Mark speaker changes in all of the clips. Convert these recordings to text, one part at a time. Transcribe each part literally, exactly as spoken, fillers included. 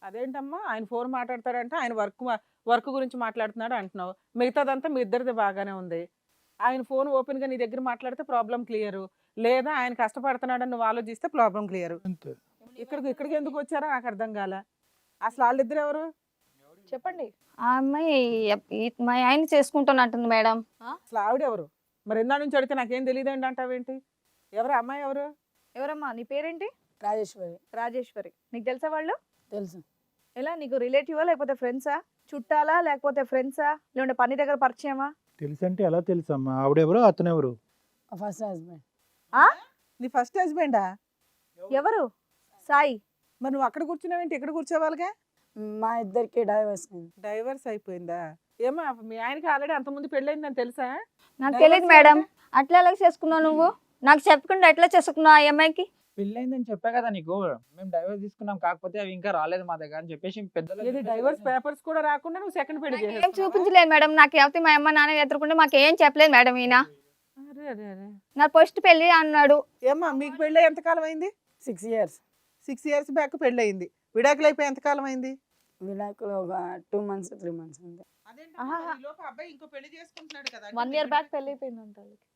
Speaker 1: అదేంటమ్మా ఆయన ఫోన్ మాట్లాడతాడంటే ఆయన వర్క్ వర్క్ గురించి మాట్లాడుతున్నాడు అంటున్నావు. మిగతాదంతా మీ ఇద్దరిది బాగానే ఉంది. ఆయన ఫోన్ ఓపెన్‌గా నీ దగ్గర మాట్లాడితే ప్రాబ్లమ్ క్లియరు. లేదా ఆయన కష్టపడుతున్నాడని నువ్వు ఆలోచిస్తే ప్రాబ్లమ్ క్లియరు.
Speaker 2: అంతే.
Speaker 1: ఇక్కడికి ఇక్కడికి ఎందుకు వచ్చారో నాకు అర్థం కాల. అసలు వాళ్ళిద్దరు ఎవరు చెప్పండి?
Speaker 3: ఆ అమ్మాయి ఎప్- ఈ- మా ఆయన చేసుకుంటానంటుంది మేడం.
Speaker 1: అసలు ఆవిడ ఎవరు? మరి ఎందా నుంచి అడిగితే నాకేం తెలియదండి అంటావేంటి? ఎవరు అమ్మాయి ఎవరు?
Speaker 4: ఎవరమ్మా నీ పేరేంటి?
Speaker 5: రాజేశ్వరి.
Speaker 4: రాజేశ్వరి. నీకు తెలుసా వాళ్ళు?
Speaker 5: తెలుసు.
Speaker 4: ఎలా నీకు రిలేటివా లేకపోతే ఫ్రెండ్సా? చుట్టాలా లేకపోతే ఫ్రెండ్సా? లేదంటే పని దగ్గర పరిచయమా?
Speaker 2: తెలుసు అంటే ఎలా తెలుసమ్మా? ఆవిడెవరు అతనెవరు?
Speaker 5: First husband.
Speaker 4: ఆ
Speaker 1: నీ ఫస్ట్ హస్బెండా?
Speaker 4: ఎవరు? సాయి.
Speaker 1: మరి నువ్వు అక్కడ కూర్చున్నావేంటి ఇక్కడ కూర్చోవాలిగా?
Speaker 5: మా ఇద్దరికి డైవర్స్ అయింది.
Speaker 1: డైవర్స్ అయిపోయిందా? ఏమో మీ ఆయనకి ఆల్రెడీ అంతకుముందు పెళ్ళయిందని తెలుసా?
Speaker 3: నాకు
Speaker 1: Divorce
Speaker 3: తెలియదు మేడం.
Speaker 1: అంటే?
Speaker 3: అట్లా ఎలా చేసుకున్నావు నువ్వు? నాకు చెప్పకుండా ఎట్లా చేసుకున్నావు ఆ అమ్మాయికి?
Speaker 6: పెళ్ళైందని చెప్పా కదా నీకు, మేము డైవర్స్ తీసుకున్నాం, కాకపోతే అవి ఇంకా రాలేదు మా దగ్గర అని చెప్పేసి పెద్దలు
Speaker 1: ఇది డైవర్స్ పేపర్స్ కూడా రాకుండా నువ్వు సెకండ్ పెళ్లి
Speaker 3: ఏం
Speaker 1: చేసేసావా?
Speaker 3: చూపించలేదు మేడం. నాకు ఎవరి మా అమ్మ నాన్న ఎదుర్కొంటే మాకు ఏం చెప్పలేదు మేడం. ఈయన
Speaker 1: అరే అరే అరే.
Speaker 3: నా ఫస్ట్ పెళ్లి అన్నాడు.
Speaker 1: ఏమ్మా మీకు పెళ్ళి ఎంతకాలం అయింది?
Speaker 5: Six years.
Speaker 1: Six years back పెళ్ళి అయింది. విడాకులు అయిపోయి ఎంతకాలం అయింది?
Speaker 5: విడాకులు ఒక టూ మంత్స్ త్రీ మంత్స్ అంతే.
Speaker 4: ఆహా.
Speaker 1: అబ్బాయి ఇంకో పెళ్లి చేసుకుంటున్నాడు కదా?
Speaker 4: వన్ ఇయర్ బ్యాక్ పెళ్లి అయిపోయిందంట.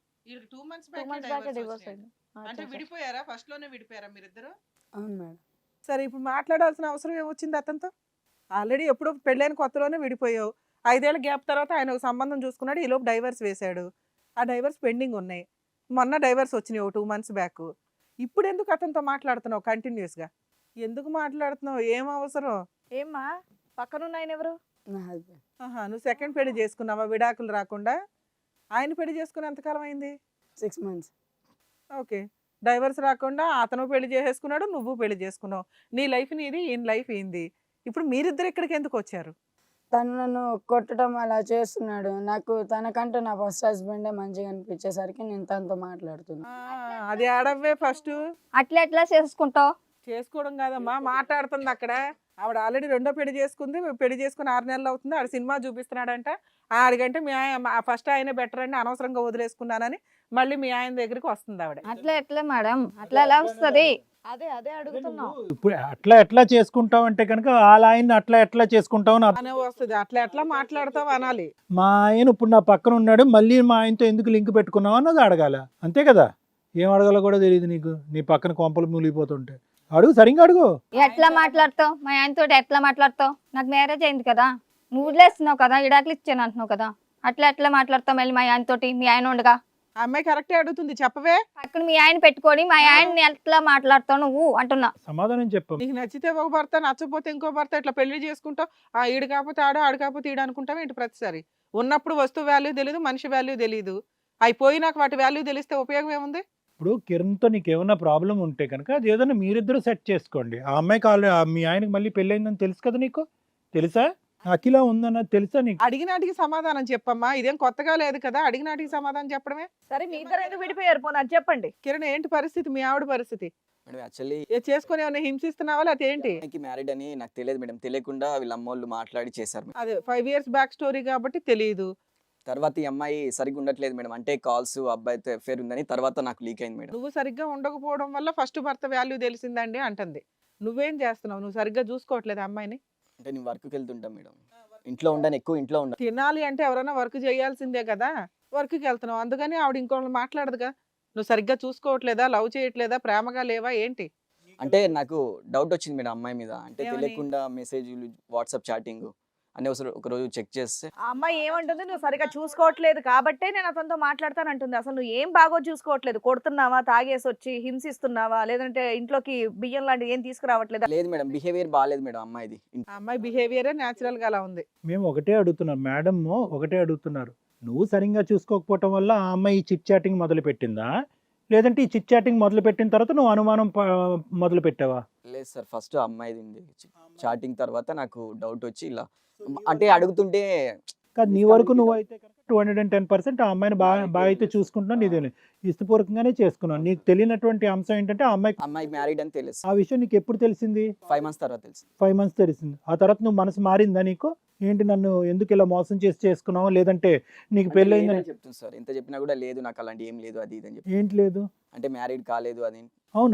Speaker 1: Two months
Speaker 4: two months back divorce అయింది. ఆ,
Speaker 1: అంటే
Speaker 4: తెలుసా?
Speaker 1: విడిపోయారా? ఫస్ట్ లోనే విడిపోయారా మీరిద్దరు?
Speaker 5: అవును మేడం.
Speaker 1: సరే ఇప్పుడు మాట్లాడాల్సిన అవసరం ఏమొచ్చింది అతనితో? ఆల్రెడీ ఎప్పుడో పెళ్ళైన కొత్తలోనే విడిపోయావు. ఐదేళ్ల గ్యాప్ తర్వాత ఆయన ఒక సంబంధం చూసుకున్నాడు. ఈ లోపు డైవర్స్ వేశాడు. ఆ డైవర్స్ పెండింగ్ ఉన్నాయి. మొన్న డైవర్స్ వచ్చినాయి ఒక టూ మంత్స్ బ్యాక్. ఇప్పుడు ఎందుకు అతనితో మాట్లాడుతున్నావు కంటిన్యూస్గా? ఎందుకు మాట్లాడుతున్నావు? ఏం అవసరం?
Speaker 4: ఏమ్మా పక్కనున్న ఆయన ఎవరు?
Speaker 5: నా హస్బెండ్.
Speaker 1: ఆహా, నువ్వు సెకండ్ పెళ్లి చేసుకున్నావా విడాకులు రాకుండా? ఆయన పెళ్లి చేసుకుని ఎంతకాలం అయింది?
Speaker 5: Six months.
Speaker 1: ఓకే. డైవర్స్ రాకుండా అతను పెళ్లి చేసేసుకున్నాడు, నువ్వు పెళ్లి చేసుకున్నావు. నీ లైఫ్ నీది, ఈయన లైఫ్ ఏంది? ఇప్పుడు మీరిద్దరు ఇక్కడికి ఎందుకు వచ్చారు?
Speaker 5: తను నన్ను కొట్టడం అలా చేస్తున్నాడు. నాకు తనకంటే నా ఫస్ట్ హస్బెండే మంచిగా అనిపించేసరికి నేను తనతో మాట్లాడుతున్నా.
Speaker 1: ఆ, అది ఆడవే ఫస్ట్.
Speaker 3: అట్లా ఎట్లా చేసుకుంటావు?
Speaker 1: చేసుకోవడం కాదమ్మా, మాట్లాడుతుంది అక్కడ. ఆవిడ ఆల్రెడీ రెండో పెళ్లి చేసుకుంది. పెళ్లి చేసుకుని ఆరు నెలలు అవుతుంది. ఆడ సినిమా చూపిస్తున్నాడంట. ఆడికంటే మీ ఆయన ఫస్ట్ ఆయనే బెటర్ అండి, అనవసరంగా వదిలేసుకున్నానని మళ్ళీ మీ ఆయన దగ్గరికి వస్తుంది ఆవిడ.
Speaker 3: అట్లా ఎట్లా మేడం? అట్లా ఎలా వస్తుంది?
Speaker 4: అదే అదే అడుగుతున్నావు.
Speaker 2: ఇప్పుడు అట్లా ఎట్లా చేసుకుంటావు అంటే కనుక వాళ్ళ ఆయన్ని అట్లా ఎట్లా చేసుకుంటావు అని అర్థం.
Speaker 1: అనే వస్తుంది. అట్లా ఎట్లా మాట్లాడతావు అనాలి.
Speaker 2: మా ఆయన ఇప్పుడు నా పక్కన ఉన్నాడు, మళ్ళీ మా ఆయనతో ఎందుకు లింక్ పెట్టుకున్నావు అన్నది అడగాల. అంతే కదా? ఏం అడగాలో కూడా తెలియదు నీకు. నీ పక్కన కొంపలు మూలిగిపోతుంటే అడుగు, సరిగ్గా అడుగు.
Speaker 3: ఎట్లా మాట్లాడతావు? మా ఆయనతో ఎట్లా మాట్లాడతావు? నాకు మ్యారేజ్ అయింది కదా, నువ్వు వదిలేస్తున్నావు కదా, ఇడాకులు ఇచ్చాను అంటున్నావు కదా. అట్లా ఎట్లా మాట్లాడతావు మళ్ళీ మా ఆయనతోటి? మీ ఆయన ఉండగా
Speaker 1: ఆ అమ్మాయి కరెక్టే అడుగుతుంది, చెప్పవే.
Speaker 3: పక్కన మీ ఆయన పెట్టుకొని మా ఆయన్ని ఎట్లా మాట్లాడతావు నువ్వు అంటున్నా.
Speaker 2: సమాధానం చెప్పు.
Speaker 1: నీకు నచ్చితే ఒక భర్త, నచ్చపోతే ఇంకో భర్త, ఇట్లా పెళ్లి చేసుకుంటావు. ఆ ఈడు కాకపోతే ఆడు, ఆడు కాకపోతే ఈడు అనుకుంటావు ఏంటి ప్రతిసారి? ఉన్నప్పుడు వస్తువు వాల్యూ తెలియదు, మనిషి వాల్యూ తెలియదు. అయిపోయినాక వాటి వాల్యూ తెలిస్తే ఉపయోగం ఏముంది?
Speaker 2: ఇప్పుడు కిరణ్తో నీకు ఏమన్నా ప్రాబ్లం ఉంటే కనుక అది ఏదైనా మీరిద్దరు సెట్ చేసుకోండి. ఆ అమ్మాయికి ఆల్రెడీ మీ ఆయనకి మళ్ళీ పెళ్ళయిందని తెలుసు కదా నీకు? తెలుసా? అఖిల ఉందన్నది తెలుసా నీకు?
Speaker 1: అడిగినాటికి సమాధానం చెప్పమ్మా. ఇదేం కొత్తగా లేదు కదా, అడిగినాటికి సమాధానం చెప్పడమే.
Speaker 4: సరే మీ ఇద్దరు ఎందుకు విడిపోయారు? పోనీ అది చెప్పండి.
Speaker 1: కిరణ్ ఏంటి పరిస్థితి? మీ ఆవిడ పరిస్థితి
Speaker 7: మేడం యాక్చువల్లీ
Speaker 1: ఏ చేసుకుని ఏమైనా హింసిస్తున్నావా లేకపోతే ఏంటి?
Speaker 7: అమ్మాయికి మ్యారీడ్ అని నాకు తెలియదు మేడం. తెలియకుండా వీళ్ళ అమ్మోళ్ళు మాట్లాడి చేశారు మేడం.
Speaker 1: అదే ఫైవ్ ఇయర్స్ బ్యాక్ స్టోరీ కాబట్టి తెలియదు.
Speaker 7: తర్వాత ఈ అమ్మాయి సరిగ్గా ఉండట్లేదు మేడం. అంటే కాల్స్ అబ్బాయితో అఫేర్ ఉందని తర్వాత నాకు లీక్ అయింది మేడం.
Speaker 1: నువ్వు సరిగ్గా ఉండకపోవడం వల్ల ఫస్ట్ భర్త వాల్యూ తెలిసిందండి అంటుంది. నువ్వేం చేస్తున్నావు? నువ్వు సరిగ్గా చూసుకోవట్లేదు అమ్మాయిని.
Speaker 7: అంటే నేను వర్క్కి వెళ్తుంటాం మేడం. ఇంట్లో ఉండను, ఎక్కువ ఇంట్లో ఉండను.
Speaker 1: తినాలి అంటే ఎవరైనా వర్క్ చేయాల్సిందే కదా, వర్క్కి వెళ్తున్నావు. అందుకని ఆవిడ ఇంకోళ్ళు మాట్లాడదుగా. నువ్వు సరిగ్గా చూసుకోవట్లేదా, లవ్ చేయట్లేదా, ప్రేమగా లేవా ఏంటి?
Speaker 7: అంటే నాకు డౌట్ వచ్చింది మేడం అమ్మాయి మీద. అంటే
Speaker 1: ఏమని?
Speaker 7: తెలియకుండా మెసేజ్లు, వాట్సాప్ చాటింగ్ అని ఒకసారి ఒక రోజు చెక్ చేస్తే
Speaker 4: ఆ అమ్మాయి ఏమంటుంది? నువ్వు సరిగా చూసుకోవట్లేదు కాబట్టే నేను అతనితో మాట్లాడతానంటుంది. అసలు నువ్వు ఏం బాగో చూసుకోవట్లేదు. కొడుతున్నావా, తాగేసి వచ్చి హింసిస్తున్నావా, లేదంటే ఇంట్లోకి బియ్యం లాంటివి ఏం తీసుకురావట్లేదా?
Speaker 7: లేదు మేడం, బిహేవియర్ బాగాలేదు మేడం అమ్మాయిది.
Speaker 1: ఆ అమ్మాయి బిహేవియరే న్యాచురల్ గా అలా ఉంది.
Speaker 2: మేము ఒకటే అడుగుతున్నాం మేడం, ఒకటే అడుగుతున్నారు. నువ్వు సరిగ్గా చూసుకోకపోవటం వల్ల ఆ అమ్మాయి ఈ చిట్ చాటింగ్ మొదలు పెట్టిందా, లేదంటే ఈ చిట్ చాటింగ్ మొదలు పెట్టిన తర్వాత నువ్వు అనుమానం ప- మొదలు పెట్టావా?
Speaker 7: లేదు సార్, ఫస్ట్ అమ్మాయిది ఉంది చాటింగ్. తర్వాత నాకు డౌట్ వచ్చి ఇలా అంటే అడుగుతుంటే
Speaker 2: కాదు, నీ వరకు నువ్వు అయితే two hundred and ten percent ఆ అమ్మాయిని బాగా బాగా అయితే చూసుకుంటున్నావు. నీదే ఇష్టపూర్వకంగానే చేసుకున్నావు. నీకు తెలియనటువంటి అంశం ఏంటంటే ఆ అమ్మాయి
Speaker 7: అమ్మాయి మ్యారీడ్ అని తెలుసు.
Speaker 2: ఆ విషయం నీకు ఎప్పుడు తెలిసింది?
Speaker 7: ఫైవ్ మంత్స్ తర్వాత తెలుసు.
Speaker 2: ఫైవ్ మంత్స్ తెలిసింది. ఆ తర్వాత నువ్వు మనసు మారిందా నీకు? ఏంటి నన్ను ఎందుకు ఇలా మోసం చేసి చేసుకున్నావు, లేదంటే నీకు
Speaker 7: అంటే
Speaker 2: పెళ్ళయిందని?
Speaker 7: లేదని చెప్తుంది సార్. ఎంత చెప్పినా కూడా లేదు, నాకు అలాంటి ఏం లేదు అది ఇది అని చెప్పి.
Speaker 2: ఏంటి లేదు?
Speaker 7: అంటే మ్యారీడ్ కాలేదు అది.
Speaker 2: అవునా?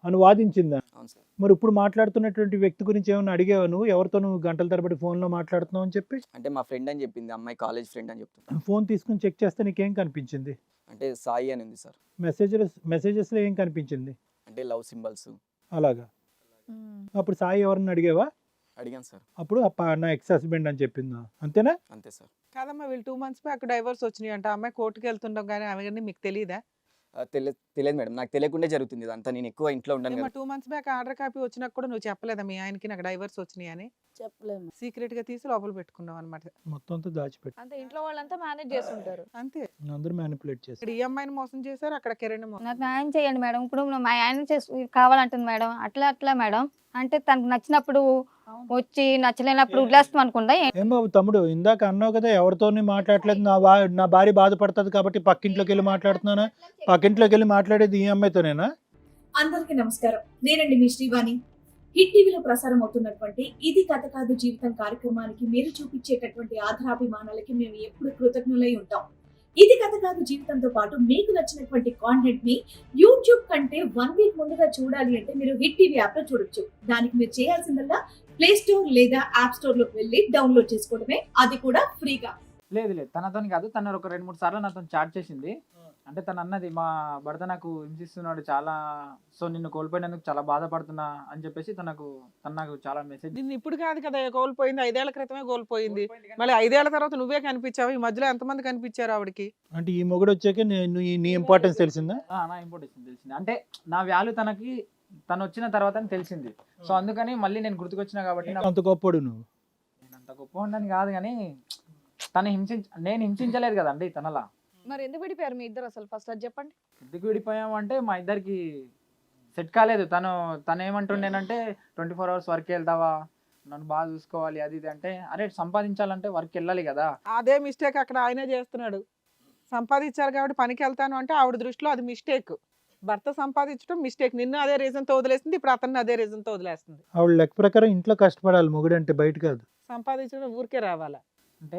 Speaker 2: అని వాదించిందా?
Speaker 7: అవును సార్.
Speaker 2: మరి ఇప్పుడు మాట్లాడుతున్నటువంటి వ్యక్తి గురించి ఏమైనా అడిగావా నువ్వు? ఎవరితో నువ్వు గంటల తరబడి ఫోన్లో మాట్లాడుతున్నావు అని చెప్పి?
Speaker 7: అంటే మా ఫ్రెండ్ అని చెప్పింది, అమ్మాయి కాలేజ్ ఫ్రెండ్ అని చెప్తున్నా.
Speaker 2: ఫోన్ తీసుకుని చెక్ చేస్తే నీకేం కనిపించింది?
Speaker 7: అంటే సాయి అని ఉంది సార్.
Speaker 2: మెసేజెస్ మెసేజెస్లో ఏం కనిపించింది?
Speaker 7: అంటే లవ్ సింబల్స్.
Speaker 2: అలాగా. అప్పుడు సాయి ఎవరిని అడిగావా?
Speaker 7: అడిగాను సార్.
Speaker 2: అప్పుడు ఆ పా- నా ఎక్స్ హస్బెండ్ అని చెప్పిందా? అంతేనా?
Speaker 7: అంతే సార్.
Speaker 1: కాదమ్మా వీళ్ళు టూ మంత్స్ బ్యాక్ డైవర్స్ వచ్చినాయి అంటే అమ్మాయి కోర్టుకి వెళ్తుంటాం కానీ అవన్నీ మీకు తెలియదా?
Speaker 7: ఆ, తెలియదు తెలియదు మేడం, నాకు తెలియకుండా జరుగుతుంది ఇదంతా. నేను ఎక్కువ ఇంట్లో ఉంటాను
Speaker 1: ఏమో
Speaker 7: కదా.
Speaker 1: Two months back order copy వచ్చినాక కూడా నువ్వు చెప్పలేదా మీ ఆయనకి నాకు డైవర్స్ వచ్చినాయి అని?
Speaker 5: చెప్పలేము.
Speaker 1: సీక్రెట్ గా తీసి లోపల పెట్టుకున్నావు అనమాట.
Speaker 2: మొత్తం అంతా దాచిపెట్టి
Speaker 4: అంతే, ఇంట్లో వాళ్ళంతా మేనేజ్ చేస్తుంటారు.
Speaker 1: అంతే.
Speaker 2: అందరూ మ్యానిపులేట్ చేసి
Speaker 1: ఇక్కడ ఈ అమ్మాయిని మోసం చేశారు, అక్కడ కిరణ్ మోసం.
Speaker 3: నాకు న్యాయం చేయండి మేడం. ఇప్పుడు మా ఆయన చేసు కావాలంటుంది మేడం. అట్లా అట్లా మేడం అంటే తనకు నచ్చినప్పుడు వచ్చి నచ్చలేనప్పుడు వదిలేస్తాం అనుకుందా?
Speaker 2: ఏం బాబు తమ్ముడు, ఇందాక అన్నావు కదా ఎవరితోని మాట్లాడలేదు, నా బా నా భార్య బాధపడుతుంది కాబట్టి పక్కింట్లోకి వెళ్ళి మాట్లాడుతున్నానా? పక్కింట్లోకి వెళ్ళి మాట్లాడేది ఈ అమ్మాయితోనేనా?
Speaker 8: అందరికీ నమస్కారం. నేనండి మీ శ్రీవాణి. హిట్ టీవీలో ప్రసారం అవుతున్నటువంటి ఇది కథ కాదు జీవితం కార్యక్రమానికి మీరు చూపించేటటువంటి ఆధారాభిమానాలకి మేము ఎప్పుడు కృతజ్ఞులై ఉంటాం. ఇది కథ కాదు జీవితంతో పాటు మీకు నచ్చినటువంటి కాంటెంట్ ని యూట్యూబ్ కంటే వన్ వీక్ ముందుగా చూడాలి అంటే మీరు హిట్ టీవీ యాప్ లో చూడొచ్చు. దానికి మీరు చేయాల్సిందల్లా ప్లే స్టోర్ లేదా యాప్ స్టోర్ లోకి వెళ్ళి డౌన్లోడ్ చేసుకోవడమే, అది కూడా ఫ్రీగా.
Speaker 6: లేదు లేదు, తనతో కాదు. తను ఒక రెండు మూడు సార్లు నాతో చాట్ చేసింది. అంటే తను అన్నది మా భర్త నాకు హింసిస్తున్నాడు చాలా, సో నిన్ను కోల్పోయినందుకు చాలా బాధపడుతున్నా అని చెప్పేసి తనకు తను నాకు చాలా మెసేజ్.
Speaker 1: నిన్ను ఇప్పుడు కాదు కదా కోల్పోయింది, ఐదేళ్ల క్రితమే కోల్పోయింది. మళ్ళీ ఐదేళ్ల తర్వాత నువ్వే కనిపించావు. ఈ మధ్యలో ఎంతమంది కనిపించారు ఆవిడకి?
Speaker 2: అంటే ఈ మొగుడు వచ్చాక నేను ఈ- నీ ఇంపార్టెన్స్ తెలిసిందా?
Speaker 6: ఆ, నా ఇంపార్టెన్స్ తెలిసింది. అంటే నా వాల్యూ తనకి తను వచ్చిన తర్వాత తెలిసింది. సో అందుకని మళ్ళీ నేను గుర్తుకొచ్చినా కాబట్టి నాకు-
Speaker 2: అంత గొప్పడు నువ్వు.
Speaker 6: నేను అంత గొప్ప ఉండని కాదు కానీ తను హింసించ నేను హింసించలేదు కదండి తనలా.
Speaker 4: మరి ఎందుకు విడిపోయారు మీ ఇద్దరు అసలు? ఫస్ట్ అది చెప్పండి.
Speaker 6: ఎందుకు విడిపోయాము అంటే మా ఇద్దరికి సెట్ కాలేదు. తను తను ఏమంటుండేనంటే ట్వంటీ ఫోర్ అవర్స్ వర్క్ వెళ్తావా, నన్ను బాగా చూసుకోవాలి అది ఇది అంటే, అరే సంపాదించాలంటే వర్క్ వెళ్ళాలి కదా.
Speaker 1: అదే మిస్టేక్ అక్కడ ఆయనే చేస్తున్నాడు. సంపాదించారు కాబట్టి పనికి వెళ్తాను అంటే ఆవిడ దృష్టిలో అది మిస్టేక్. భర్త సంపాదించడం మిస్టేక్. నిన్ను అదే రీజన్ తో వదిలేస్తుంది, ఇప్పుడు అతన్ని అదే రీజన్ తో వదిలేస్తుంది.
Speaker 2: ఆవిడ లెక్క ప్రకారం ఇంట్లో కష్టపడాలి మొగుడు అంటే, బయట కాదు.
Speaker 1: సంపాదించడం ఊరికే రావాలా?
Speaker 6: అంటే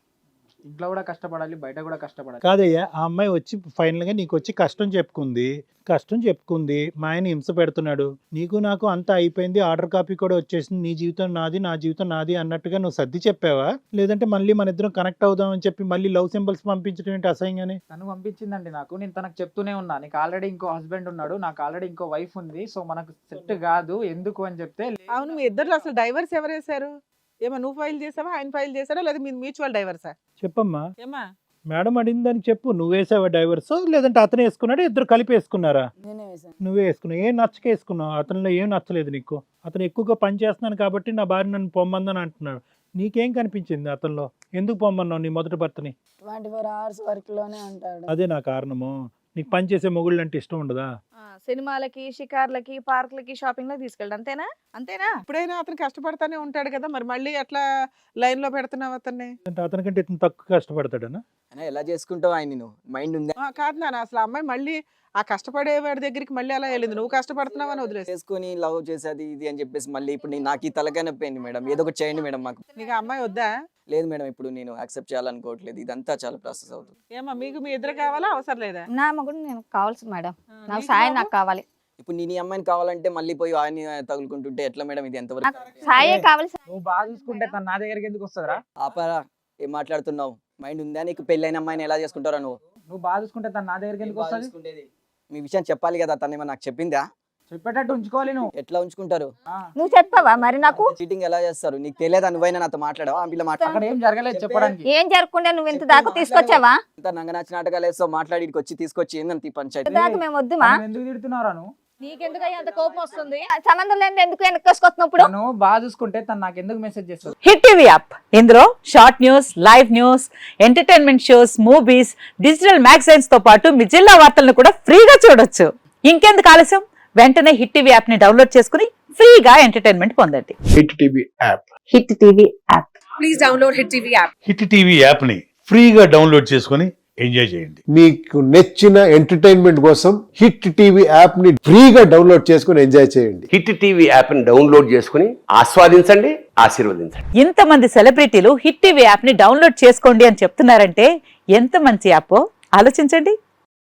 Speaker 6: ఇంట్లో కూడా కష్టపడాలి, బయట కూడా కష్టపడాలి.
Speaker 2: కాదయ్యా, ఆ అమ్మాయి వచ్చి ఫైనల్ గా నీకు వచ్చి కష్టం చెప్పుకుంది కష్టం చెప్పుకుంది మా ఆయన హింస పెడుతున్నాడు, నీకు నాకు అంతా అయిపోయింది, ఆర్డర్ కాపీ కూడా వచ్చేసింది, నీ జీవితం నాది నా జీవితం నాది అన్నట్టుగా నువ్వు సర్ది చెప్పావా? లేదంటే మళ్ళీ మన ఇద్దరం కనెక్ట్ అవుదాం అని చెప్పి మళ్ళీ లవ్ సింబల్స్ పంపించడం ఏంటి అసహ్యంగానే?
Speaker 6: తను పంపించిందండి నాకు. నేను తనకు చెప్తూనే ఉన్నా, నీకు ఆల్రెడీ ఇంకో హస్బెండ్ ఉన్నాడు, నాకు ఆల్రెడీ ఇంకో వైఫ్ ఉంది, సో మనకు సెట్ కాదు ఎందుకు అని చెప్తే.
Speaker 1: అవును, మీ ఇద్దరు అసలు డైవర్స్ ఎవరు వేశారు? ఏమో నువ్వు ఫైల్ చేసావా, ఆయన ఫైల్ చేశాడా, లేదా మీ మ్యూచువల్ డైవర్సా?
Speaker 2: చెప్పమ్మా.
Speaker 1: ఏమా
Speaker 2: మేడం అడిగిన దానికి చెప్పు. నువ్వు వేసావా డైవర్స్, లేదంటే అతను వేసుకున్నాడు, ఇద్దరు కలిపి వేసుకున్నారా?
Speaker 5: నేనే వేసాను.
Speaker 2: నువ్వే వేసుకున్నావు. ఏం నచ్చక వేసుకున్నావు? అతనిలో ఏం నచ్చలేదు నీకు? అతను ఎక్కువగా పని చేస్తున్నాను కాబట్టి నా భార్య నన్ను పొమ్మందని అంటున్నాడు. నీకేం కనిపించింది అతనిలో? ఎందుకు పొమ్మన్నావు నీ మొదటి భర్తని?
Speaker 5: ట్వంటీ ఫోర్ అవర్స్ వర్క్ లోనే ఉంటాడు.
Speaker 2: అదే నా కారణము. నీకు పని చేసే మొగుళ్ళు అంటే ఇష్టం ఉండదా?
Speaker 4: ఆ, సినిమాలకి, షికార్లకి, పార్క్లకి, షాపింగ్ లకి తీసుకెళ్ళి అంతేనా? అంతేనా?
Speaker 1: ఇప్పుడైనా అతను కష్టపడతానే ఉంటాడు కదా, మరి మళ్ళీ అట్లా లైన్ లో పెడుతున్నావు అతన్ని?
Speaker 2: అంటే అతనికంటే ఇతను తక్కువ కష్టపడతాడనా?
Speaker 7: అయినా ఎలా చేసుకుంటావు ఆయన? నేను మైండ్ ఉందా?
Speaker 1: ఆ, కాదు నాన్న, అసలు ఆ అమ్మాయి మళ్ళీ ఆ కష్టపడే వాడి దగ్గరికి మళ్ళీ అలా వెళ్ళింది. నువ్వు కష్టపడుతున్నావు అని వదిలేసి
Speaker 7: చేసుకొని లవ్ చేసేది ఇది అని చెప్పేసి మళ్ళీ ఇప్పుడు నేను నాకు ఈ తలకాయ నొప్పి అయింది మేడం. ఏదో ఒకటి చేయండి మేడం మాకు.
Speaker 1: నీకు ఆ అమ్మాయి వద్దా?
Speaker 7: లేదు మేడం, ఇప్పుడు నేను యాక్సెప్ట్ చేయాలనుకోవట్లేదు. ఇదంతా చాలా ప్రాసెస్ అవుతుంది.
Speaker 1: ఏమా మీకు మీ ఇద్దరు కావాలా, అవసరం లేదా?
Speaker 3: నా మగుడు నేను కావాల్సింది మేడం.
Speaker 1: ఆ,
Speaker 3: నాకు
Speaker 1: నీకు
Speaker 3: సాయం
Speaker 1: బాబు?
Speaker 3: నాకు కావాలి.
Speaker 7: ఇప్పుడు నేను ఈ అమ్మాయిని కావాలంటే మళ్ళీ పోయి ఆయన తగులుకుంటుంటే ఎట్లా మేడం? ఇది ఎంతవరకు?
Speaker 3: నాకు సాయే కావాలి.
Speaker 6: నువ్వు బాగా చూసుకుంటే తను నా దగ్గరికి ఎందుకు వస్తుందిరా?
Speaker 7: ఆపరా, ఏం మాట్లాడుతున్నావు? మైండ్ ఉందా నీకు? పెళ్ళైన అమ్మాయిని ఎలా చేసుకుంటారా నువ్వు?
Speaker 6: నువ్వు బాగా చూసుకుంటే తను నా దగ్గరికి ఎందుకు వస్తుంది?
Speaker 7: మీ విషయం చెప్పాలి కదా, తను ఏమన్నా నాకు చెప్పిందా?
Speaker 6: చెప్పేటట్టు ఉంచుకోవాలి నువ్వు.
Speaker 7: ఎట్లా ఉంచుకుంటారు?
Speaker 6: ఆ,
Speaker 3: నువ్వు చెప్పావా మరి నాకు?
Speaker 7: చీటింగ్ ఎలా చేస్తారు? నీకు తెలియదా? నువ్వైనా నాతో మాట్లాడావా? ఆ పిల్ల మాట్లాడ
Speaker 6: అక్కడ ఏం జరగలేదు చెప్పడానికి.
Speaker 3: ఏం జరగకుండా నువ్వు ఇంత దాకా తీసుకొచ్చావా?
Speaker 7: నంగనాచి నాటకాలు వేస్తావు, మాట్లాడి ఈడికి వచ్చి తీసుకొచ్చి ఏందంత ఈ పంచాయతీ?
Speaker 3: ఇంత దాకా మేము వద్దుమా?
Speaker 6: తను ఎందుకు తిడుతున్నారా నువ్వు?
Speaker 4: నీకెందుకయ్యా అంత కోపం వస్తుంది?
Speaker 3: సంబంధం లేని ఎందుకు వెనక్కొసుకొస్తున్నావు ఇప్పుడు?
Speaker 6: తను బాగా చూసుకుంటే తను నాకు ఎందుకు మెసేజ్ చేస్తుంది?
Speaker 9: హిట్ టీవీ యాప్ ఇందులో short news, live news, entertainment shows, movies, digital magazines తో పాటు మీ జిల్లా వార్తలను కూడా ఫ్రీగా చూడొచ్చు. ఇంకెందుకు ఆలస్యం, వెంటనే హిట్ టీవీ యాప్ ని డౌన్లోడ్ చేసుకుని ఫ్రీగా ఎంటర్టైన్మెంట్ పొందండి.
Speaker 10: Hit TV app
Speaker 9: hit TV app
Speaker 8: please download hit TV app.
Speaker 10: Hit TV app ని ఫ్రీగా డౌన్లోడ్ చేసుకొని ఎంజాయ్ చేయండి.
Speaker 11: మీకు నచ్చిన ఎంటర్టైన్మెంట్ కోసం హిట్ టీవీ యాప్ ని ఫ్రీగా డౌన్లోడ్ చేసుకొని ఎంజాయ్ చేయండి.
Speaker 12: హిట్ టీవీ యాప్ ని డౌన్లోడ్ చేసుకుని ఆస్వాదించండి, ఆశీర్వదించండి.
Speaker 9: ఇంతమంది సెలబ్రిటీలు హిట్ టీవీ యాప్ ని డౌన్లోడ్ చేసుకోండి అని చెప్తున్నారంటే ఎంత మంచి యాప్ ఆలోచించండి.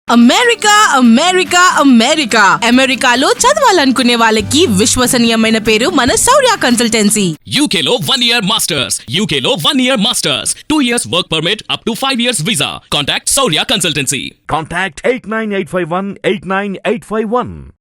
Speaker 13: అమెరికా అమెరికా అమెరికా అమెరికాలో చదవాలనుకునే వాళ్ళకి విశ్వసనీయమైన పేరు మన శౌర్య కన్సల్టెన్సీ.
Speaker 14: యూకేలో వన్ ఇయర్ మాస్టర్స్ యూకేలో one year masters two years work permit up to five years visa. Contact Shourya consultancy.
Speaker 15: Contact eight nine eight five one eight nine eight five one.